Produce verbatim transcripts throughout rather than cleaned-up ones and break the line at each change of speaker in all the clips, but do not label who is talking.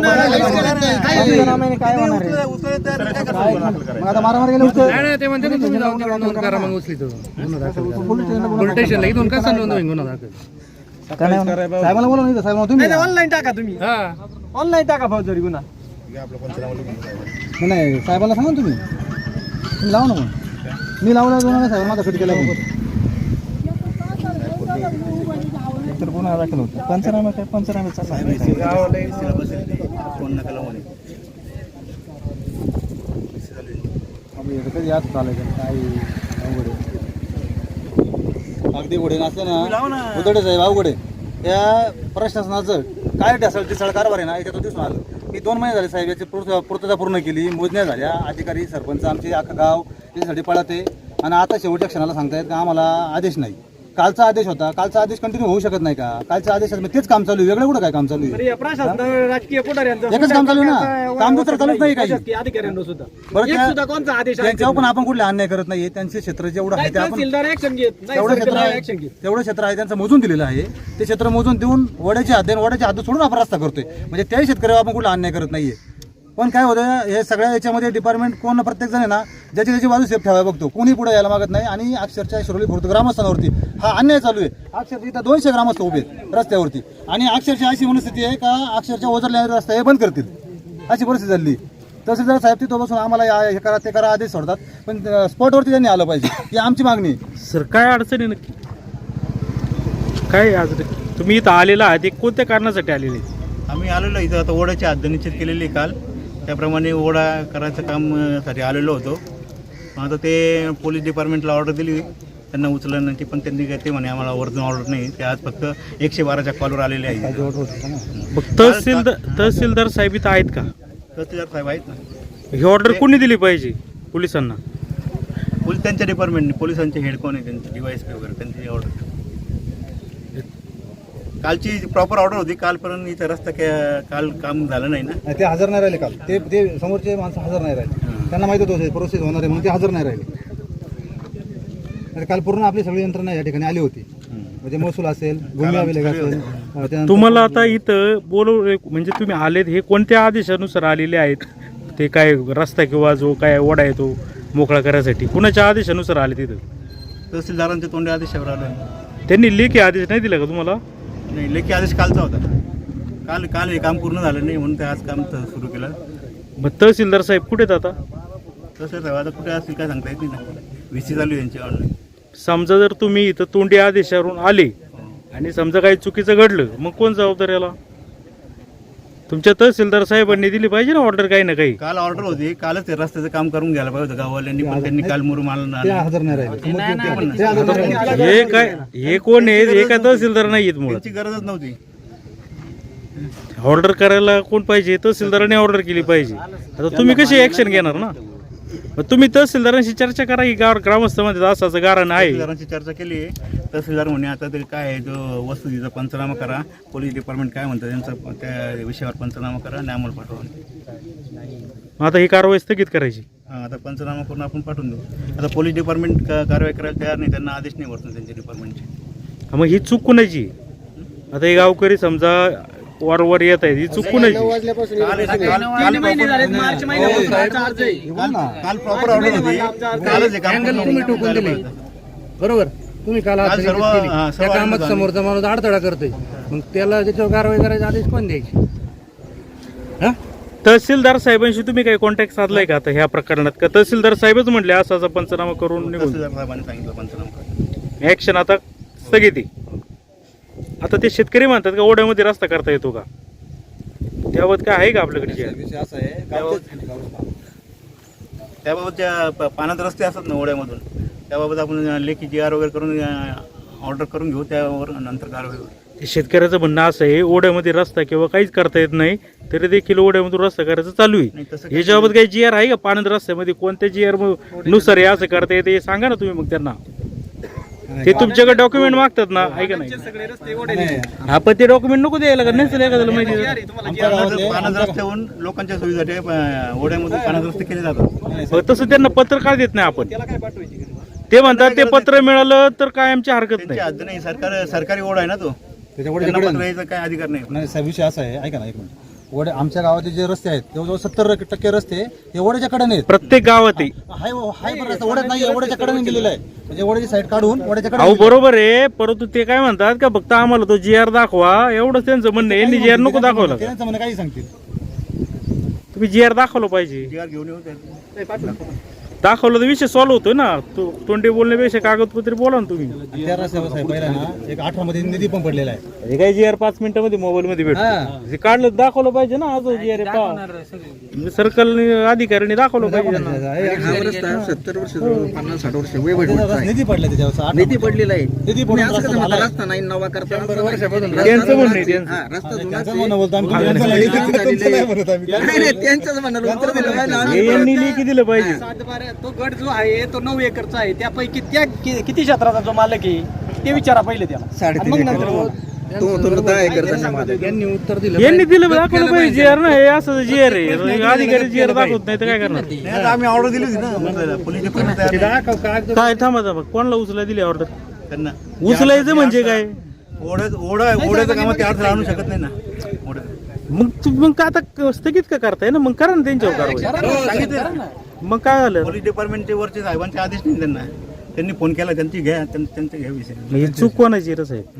आता मारामार गेले उचल
ते म्हणते ना तुम्ही जाऊन नोंद करा मग उचली तो गुन्हा दाखल पोलीस स्टेशनला इथून कसा नोंद होईल गुन्हा दाखल
साहेबाला बोला नाही साहेब तुम्ही
ऑनलाईन टाका तुम्ही
हा
ऑनलाईन टाका फौजदारी गुन्हा
नाही साहेबाला सांगा तुम्ही तुम्ही लावा ना मग मी लावला दोन साहेब माझा फिट केला तर गुन्हा दाखल होतो पंचनामा काय पंचनाम्याचा कधी याद चालायचं काय अवघड अगदी घोडे नसलं ना उदडे साहेब अवघडे या प्रशासनाचं काय ढासळ ढिसळ कारभार आहे ना याच्यातून दिसून आलं. मी दोन महिने झाले साहेब याची पूर्तता पूर्ण केली, मोजण्या झाल्या, अधिकारी सरपंच आमचे अख्खा गाव याच्यासाठी पळते आणि आता शेवटच्या क्षणाला सांगतायत का आम्हाला आदेश नाही. कालचा आदेश होता, कालचा आदेश कंटिन्यू होऊ शकत नाही का? कालच्या आदेशात तेच काम चालू आहे, वेगळं कुठं काय काम चालू आहे?
राजकीय
एकच काम चालू आहे ना, काम दुसरं चालूच नाही काही.
अधिकाऱ्यांना सुद्धा
बरं
सुद्धा कोणता आदेश
त्यांच्यावर पण आपण कुठले अन्याय करत नाहीये. त्यांचे क्षेत्र जेवढं आहे ते आपण तेवढं क्षेत्र आहे तेवढं क्षेत्र आहे त्यांचं मोजून दिलेलं आहे. ते क्षेत्र मोजून देऊन वड्याची हद्द वड्याची हद्द सोडून आपण रस्ता करतोय, म्हणजे त्याही शेतकऱ्यावर आपण कुठला अन्याय करत नाहीये. पण काय होतं हे सगळ्या याच्यामध्ये डिपार्टमेंट कोण प्रत्येक जण आहे ना ज्याची त्याची बाजू सेफ ठेवायला बघतो, कोणी पुढे यायला मागत नाही. आणि अक्षरशः शिरोली खुर्द ग्रामस्थांवरती हा अन्याय चालू आहे. अक्षरशः इथं दोनशे ग्रामस्थ उभे आहेत रस्त्यावरती आणि अक्षरशः अशी मनस्थिती आहे का अक्षरशः ओझरल्या रस्ता हे बंद करतील अशी परिस्थिती झाली. तहसीलदार साहेब तिथं बसून आम्हाला हे करा ते करा आदेश सोडतात, पण स्पॉटवरती त्यांनी आलं पाहिजे ही आमची मागणी.
सर काय अडचणी नक्की काय आज तुम्ही इथं आलेला आहात, कोणत्या कारणासाठी आलेले?
आम्ही आलेलो इथं आता ओढ्याची हद्द निश्चित केलेली काल, त्याप्रमाणे ओढा करायचं काम साठी आलेलो होतो. आता ते पोलीस डिपार्टमेंटला ऑर्डर दिली त्यांना उचलण्याची, पण त्यांनी काय ते म्हणे आम्हाला वरतून ऑर्डर नाही. ते आज फक्त एकशे बाराच्या कॉलवर आलेले आहेत.
तहसीलदार तहसीलदार साहेब इथं आहेत का?
तहसीलदार साहेब आहेत ना.
ही ऑर्डर कोणी दिली पाहिजे पोलिसांना?
पोलीस त्यांच्या डिपार्टमेंटने, पोलिसांचे हेड कोण आहे त्यांचे डीवायएसपी वगैरे त्यांची ऑर्डर. कालची प्रॉपर ऑर्डर होती, कालपर्यंत इथं रस्ता काल काम झालं नाही ना.
ते हजर नाही राहिले काल, ते ते समोरचे माणसं हजर नाही राहिले. त्यांना माहिती होतं प्रोसेस होणार आहे म्हणून ते हजर नाही राहिले. काल पूर्ण आपली सगळी यंत्रणा या ठिकाणी आली होती, म्हणजे महसूल असेल, भूमी अभिलेख असेल.
तुम्हाला आता इथं बोलव म्हणजे तुम्ही आलेत हे कोणत्या आदेशानुसार आलेले आहेत? ते काय रस्ता किंवा जो काय ओढा आहे तो मोकळा करायसाठी कुणाच्या आदेशानुसार आले तिथं?
तहसीलदारांच्या तोंडी आदेशावर आलं.
त्यांनी लेखी आदेश नाही दिला का तुम्हाला?
नाही, लेखी आदेश कालचा होता. काल काल हे काम पूर्ण झालं नाही म्हणून ते आज काम सुरू केलं.
मग तहसीलदार साहेब कुठे आहेत आता?
तसं आता कुठे असतील काय सांगता येत नाही ना. व्हीसी चालू आहे यांची ऑनलाईन.
समजा जर तुम्ही इथं तोंडी आदेशावरून आले आणि समजा काही चुकीचं घडलं मग कोण जबाबदार याला? तुमच्या तहसीलदार साहेबांनी दिली पाहिजे ना ऑर्डर काही ना काही.
काल ऑर्डर होती, कालच ते रस्त्याचं काम करून घ्यायला पाहिजे होतं गाववाल्यांनी, पण त्यांनी काल मुरुम आलं
हजर नाही राहिले.
हे काय हे कोण आहे? हे काय तहसीलदार नाही आहेत मुळे,
त्यांची गरजच नव्हती.
ऑर्डर करायला कोण पाहिजे? तहसीलदारांनी ऑर्डर केली पाहिजे. आता तुम्ही कशी ऍक्शन घेणार ना? मग तुम्ही तहसीलदारांशी चर्चा करा की गाव ग्रामस्थ मध्ये असं असं गारण आहे.
तहसीलदारांची चर्चा केली. तहसीलदार म्हणे आता ते काय आहे जो वस्तुस्थितीचा पंचनामा करा, पोलीस डिपार्टमेंट काय म्हणतं त्यांचं त्या विषयावर पंचनामा करा आणि आम्हाला पाठवा.
आता ही कारवाई स्थगित करायची.
हां, आता पंचनामा करून आपण पाठवून देऊ. आता पोलीस डिपार्टमेंट कारवाई करायला तयार नाही, त्यांना आदेश नाही वरतून त्यांच्या डिपार्टमेंटचे.
मग ही चूक कुणाची? आता हे गावकरी समजा वारंवार येत आहेत, ही चूक कुणाची?
काल प्रॉपर ऑर्डर होती, कालच
तुम्ही टोकून दिले बरोबर. तुम्ही काल त्या कामात समोरचा माणूस अडथळा करतोय, मग त्याला त्याच्यावर कारवाई करायचा आदेश कोण द्यायची?
तहसीलदार साहेबांशी तुम्ही काही कॉन्टॅक्ट साधलाय का आता ह्या प्रकरणात? का तहसीलदार साहेबच म्हटले असा असा पंचनामा करून निघून
साहेबांनी सांगितलं पंचनामा
ऍक्शन आता स्थगिती? आता ते शेतकरी म्हणतात का ओढ्यामध्ये रस्ता करता येतो का? त्याबाबत काय आहे का आपल्याकडे?
विषय असा आहे
त्याबाबतच्या पाण्यात रस्ते असतात ना ओढ्यामधून, त्याबाबत आपण लेखी जी आर वगैरे करून ऑर्डर करून घेऊ, त्यावर नंतर कारवाई होईल.
शेतकऱ्याचं म्हणणं असं आहे ओढ्यामध्ये रस्ता किंवा काहीच करता येत नाही तरी देखील ओढ्यामधून रस्ता करायचं चालू आहे. याच्याबाबत काही जी आर आहे का? पाण्यात रस्त्यामध्ये कोणत्या जी आर नुसार हे असं करता येते हे सांगा ना तुम्ही. मग त्यांना ते तुमच्याकडे डॉक्युमेंट मागतात ना, आहे का नाही? आपण ते डॉक्युमेंट नको द्यायला का? नसेल एखाद्याला माहिती
पाण्यात रस्त्याहून लोकांच्या सोयीसाठी ओढ्यामधून पाण्यात रस्ते केले जातात.
तसं त्यांना पत्र का देत नाही आपण? ते म्हणतात ते पत्र मिळालं तर काय आमची हरकत नाही.
हद्द नाही, सरकार सरकारी ओढा आहे ना तो,
त्याच्यामुळे
पत्र यायचा काय अधिकार नाही.
नाही साहेब, विषय असा आहे, ऐका ना एक मिनिट. ओढे आमच्या गावाचे जे रस्ते आहेत जवळजवळ सत्तर टक्के रस्ते हे ओढ्याच्या कडेने आहेत.
प्रत्येक गावात आहे.
हाय हाय पण रस्ता ओढ्यात नाही, ओढ्याच्या कडेने गेलेला आहे. म्हणजे ओढ्याची साईड काढून ओढ्याच्या
अहो
कडे
बरोबर आहे, परंतु ते काय म्हणतात का फक्त आम्हाला तो जी आर दाखवा, एवढंच त्यांचं म्हणणं आहे. यांनी जी आर नको दाखवला का?
त्यांचं म्हणणं काही सांगतील.
तुम्ही जी आर दाखवलं पाहिजे.
जी आर घेऊन येऊ त्यात.
दाखवलं तर विषय सॉल्व्ह होतोय ना. तो तोंडी बोलण्यापेक्षा कागदपत्री बोला ना तुम्ही.
त्या रस्त्यावर साहेब पहिला ना एक अठरा मध्ये निधी पण पडलेला आहे.
हे काय जी आर पाच मिनिटांमध्ये मोबाईल मध्ये भेटतो. हे काढलं तर दाखवलं पाहिजे ना. आज जी आर सर्कल अधिकाऱ्यांनी दाखवलं पाहिजे त्यांना.
हा रस्ता सत्तर वर्ष पन्नास साठ वर्ष वय भेटत
त्याचा निधी पडला त्याच्यावर
निधी पडलेला आहे.
निधी पडून रस्ता झाला आहे.
रस्ता नाही नवा करता वर्षापासून
त्यांचं म्हणणं आहे त्यांचं.
हा रस्ता जुना
त्यांचं म्हणणं बोलतो आम्ही, तुमचं नाही, तुमचं नाही म्हणत आम्ही.
नाही नाही, त्यांच्याच म्हणाला उत्तर दिलं पाहिजे ना.
हे यांनी लेखी दिलं पाहिजे.
सातबारा तो गट जो आहे तो नऊ एकरचा आहे. त्यापैकी त्या कि- किती क्षेत्राचा जो मालक आहे ते विचारा पहिले त्याला.
साडेतीन
मग
एकर.
नंतर बोला.
तो तो दहा एकर त्यांनी उत्तर दिलं
यांनी दिलं दाखवलं पाहिजे जी आर ना. हे असं जी आर आहे. अधिकारी जी आर दाखवत नाही तर काय करणार.
नाही, आता आम्ही ऑर्डर दिली होती ना मंत्र्याला. पोलीस डिपार्टमेंट तयार नाही.
काय थांबा थांबा, कोणाला उचलाय दिली ऑर्डर?
त्यांना
उचलायचं म्हणजे काय?
ओढ्यात ओढा ओढ्याचं कामात ते अडथळा आणू शकत नाही ना. ओढ्यात
मग तू- मग का आता स्थगित का करताय ना? मग करा ना त्यांच्यावर कारवाई.
सांगितलं ना.
मग काय झालं?
पोलीस डिपार्टमेंटचे वरचे साहेबांचे आदेश नाही त्यांना. त्यांनी फोन केला, त्यांची घ्या त्यां- त्यांचा घ्या विषय.
मग ही चूक कोणाची रे साहेब?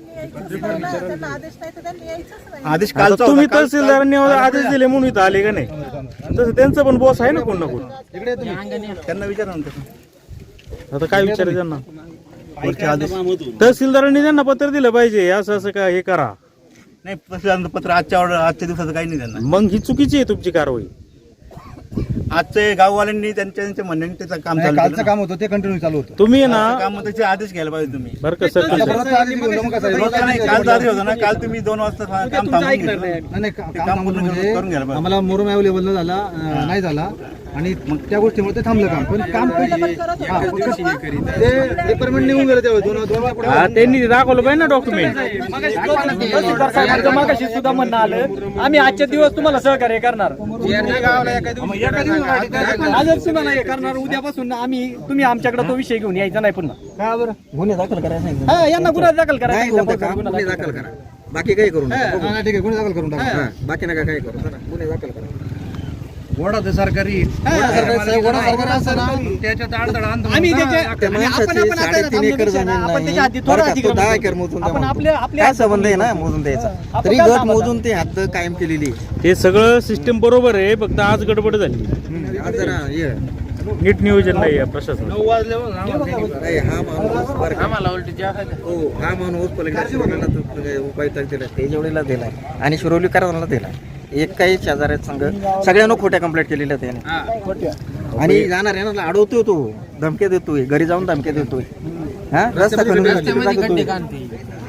आदेश
आता
कालचा
तुम्ही
होता. काल-
तहसीलदारांनी आदेश दिले म्हणून इथं आले का नाही? तसं त्यांचं पण बॉस आहे ना कोण ना कोण.
त्यांना विचारा ना तसं.
आता काय विचारायचं त्यांना?
वरचे आदेश
तहसीलदारांनी त्यांना पत्र दिलं पाहिजे असं असं का हे करा.
नाही, तसं पत्र आजच्या ऑर्डर आजच्या दिवसाचं काही नाही त्यांना.
मग ही चुकीची आहे तुमची कारवाई.
आजचे गाववाल्यांनी त्यांच्या त्यांच्या म्हणण्याने त्याचं काम चालू
कालचं
केलं.
काम होतं ते कंटिन्यू चालू होतं.
तुम्ही आहे
आजचं
ना
काम त्याचे आदेश घ्यायला पाहिजे तुम्ही.
बरं का सर,
आता परत आधी घेऊन मग कसं आहे?
रोजचा नाही, कालचा आदेश होता ना. काल तुम्ही दोन वाजता काम
तुमचं
थांबवून
ऐकणार
घेतलं.
नाही.
नाही नाही, का-
ते
काम
काम
थांबवलं
पूर्ण
म्हणजे
करून घ्यायला पाहिजे.
आम्हाला मोरम अवेलेबल न झाला अं, नाही झाला आणि मग त्या गोष्टीमुळे ते थांबलं काम. पण काम हा, ते डिपार्टमेंट निघून गेलं तेव्हा दोन दोनच्या पुढे.
हा, त्यांनी दाखवलं पाहिजे ना डॉक्युमेंट.
मगाशी तहसीलदार साहेबांचं मगाशी सुद्धा म्हणणं आलं आम्ही आजच्या दिवस तुम्हाला सहकार्य करणार. आजच तुम्हाला हे करणार. उद्यापासून आम्ही तुम्ही आमच्याकडे तो विषय घेऊन यायचा नाही पुन्हा.
का बरं गुन्हे दाखल करायला सांगितलं.
हा, यांना गुन्हा दाखल
नाही
करायचा.
होतं का गुन्हे दाखल करा. बाकी काही करू नका.
हा, नाही, ठीक आहे, गुन्हे दाखल करून टाका.
हा, बाकी नका काही करू. चला, गुन्हे दाखल करा. वडा ते सरकारी
वडा सरकारी साहेब, वडा सरकारी असं ना,
त्याच्यात अडथळा आणतो.
आम्ही त्याच्या
त्या
आणि आपण
माणसाची
आपण आता
साडेतीन एकर
थांबलो
जमीन
ना, आपण
नाही.
त्याच्या आधी
बरं
थोडा
का, तो
अधिग्रहण
दहा
करतो.
एकर मोजून
आपण
द्या
आपल्या
म्हणतो.
आपल्या
काय संबंध आहे ना मोजून द्यायचा.
आपण
तरी
काय
गट
थांबा
मोजून ते हद्द कायम केलेली.
ते सगळं सिस्टीम बरोबर आहे, फक्त आज गडबड झाली.
आज जरा हे
नीट नियोजन नाही आहे प्रशासन.
नाही, हा माणूस बरं का? हो, हा माणूस पलीकडे शिरोलीला तो काय उपायुक्त दिला ते जेवढीला दिलाय आणि शिरोलीकरांना दिलाय. एक काही शेजाऱ्यात संघ सगळ्यांना खोट्या कंप्लेंट केलेल्या त्याने. आणि जाणार आहे ना अडवतोय तो, धमक्या देतोय, घरी जाऊन धमक्या देतोय. हा रस्ता खणून टाकतोय.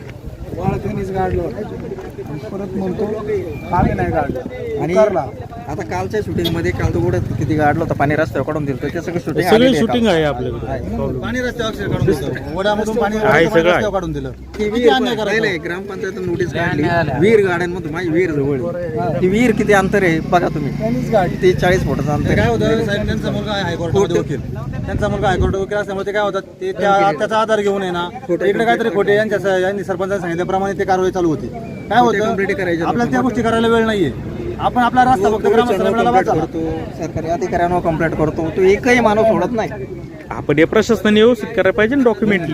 परत म्हणतो आम्ही नाही काढलं.
आणि आता कालच्या शूटिंग मध्ये काल तो ओढत किती गाडलं होतं पाणी रस्त्यावर काढून दिलं ते सगळं शूटिंग
सगळी शूटिंग आहे आपल्याकडे.
पाणी रस्त्यावर अक्षर काढून दिलं. वड्यामधून पाणी
आहे, सगळं आहे.
रस्त्यावर काढून दिलं. किती अन्याय करायचा?
ग्रामपंचायत नोटीस काढली वीर गार्डन माझी वीर जवळ आहे. ती वीर किती अंतर आहे बघा तुम्ही. ते चाळीस फुटाचं अंतर
काय
आहे.
होतं साहेब, त्यांचा मुलगा आहे हायकोर्टामध्ये वकील. त्यांचा मुलगा हायकोर्ट वकील असल्यामुळे ते काय होतात ते त्या त्याचा आधार घेऊन आहे ना इकडे काहीतरी खोटे यांच्या यांनी सरपंचाने सांगितल्याप्रमाणे ते कारवाई चालू होती. काय होतं
कंप्लेंट करायची.
आपल्याला त्या गोष्टी करायला वेळ नाहीये. आपण आपला रस्ता फक्त ग्रामस्थांना
कंप्लेंट करतो, सरकारी अधिकाऱ्यांवर कंप्लेंट करतो. तो एकही माणूस सोडत नाही.
आपण या प्रशासनाने व्यवस्थित करायला पाहिजे ना डॉक्युमेंटली.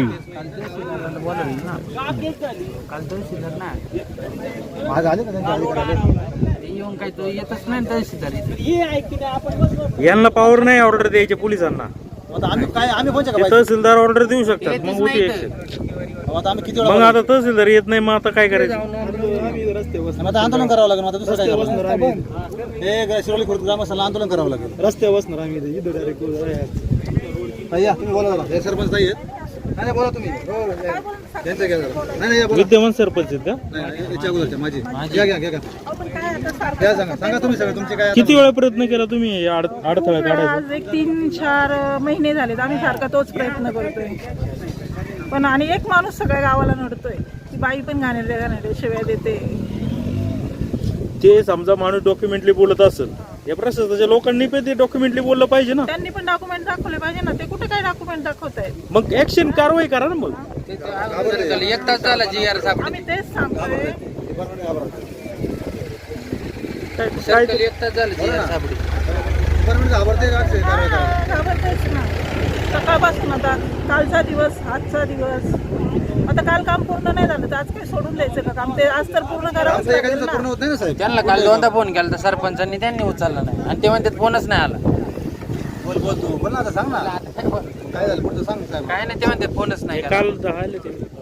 यांना पॉवर नाही ऑर्डर द्यायचे पोलिसांना.
आता आम्ही काय आम्ही कोणत्या
ते
का
तहसीलदार ऑर्डर देऊ शकतात, मग होती ऍक्शन.
आता आम्ही किती
मग
वेळा
आता तहसीलदार येत नाही, मग आता काय करायचं?
आता आंदोलन करावं लागेल. आता दुसरं काय करावं? हे शिरोली खुर्द ग्रामस्थांना आंदोलन करावं लागेल. रस्त्यावर बसणार आम्ही तुम्ही बोला जरा. हे सरपंच ताई आहेत. नाही नाही, बोला तुम्ही. त्यांचं घ्या जरा. नाही नाही, या बोला.
विद्यमान सरपंच आहेत का?
नाही, नाही, याच्या अगोदरच्या माझी घ्या घ्या घ्या घ्या. घ्या, सांगा सांगा तुम्ही सगळं तुमचे काय
किती वेळा प्रयत्न केला तुम्ही या अड- अडथळा काढायचा?
आज एक तीन चार महिने झालेत आम्ही सारखा तोच प्रयत्न करतोय. पण आणि एक माणूस सगळ्या गावाला नडतोय. ती बाई पण घाणेरड्या घाणेरड्या शिव्या देते.
ते समजा माणूस डॉक्युमेंटली बोलत असेल, या प्रशासनाच्या लोकांनी पण ते डॉक्युमेंटली बोललं पाहिजे ना.
त्यांनी पण डॉक्युमेंट दाखवले पाहिजे ना. ते कुठे काय डॉक्युमेंट दाखवत आहेत?
मग ऍक्शन कारवाई करा ना. मग
आम्ही तेच सांगतोय.
काय काय
डिपार्टमेंट घाबरते का अक्षय कारवाई करायला?
घाबरतेच ना सकाळपासून. आता कालचा दिवस, आजचा दिवस, आता काल काम पूर्ण नाही झालं तर आज काही सोडून द्यायचं का काम? ते आज तर पूर्ण करावंच
असं एका
लागेल
दिवसात पूर्ण
ना.
होत नाही ना साहेब.
त्यांना काल दोनदा फोन केला तर सरपंचांनी त्यांनी उचलला नाही आणि ते म्हणतात फोनच नाही आला.
बोल बोल तू बोल ना आता सांग ना काय झालं पुढचं सांग साहेब.
काय नाही ते म्हणतात फोनच नाही.
काल झाले ते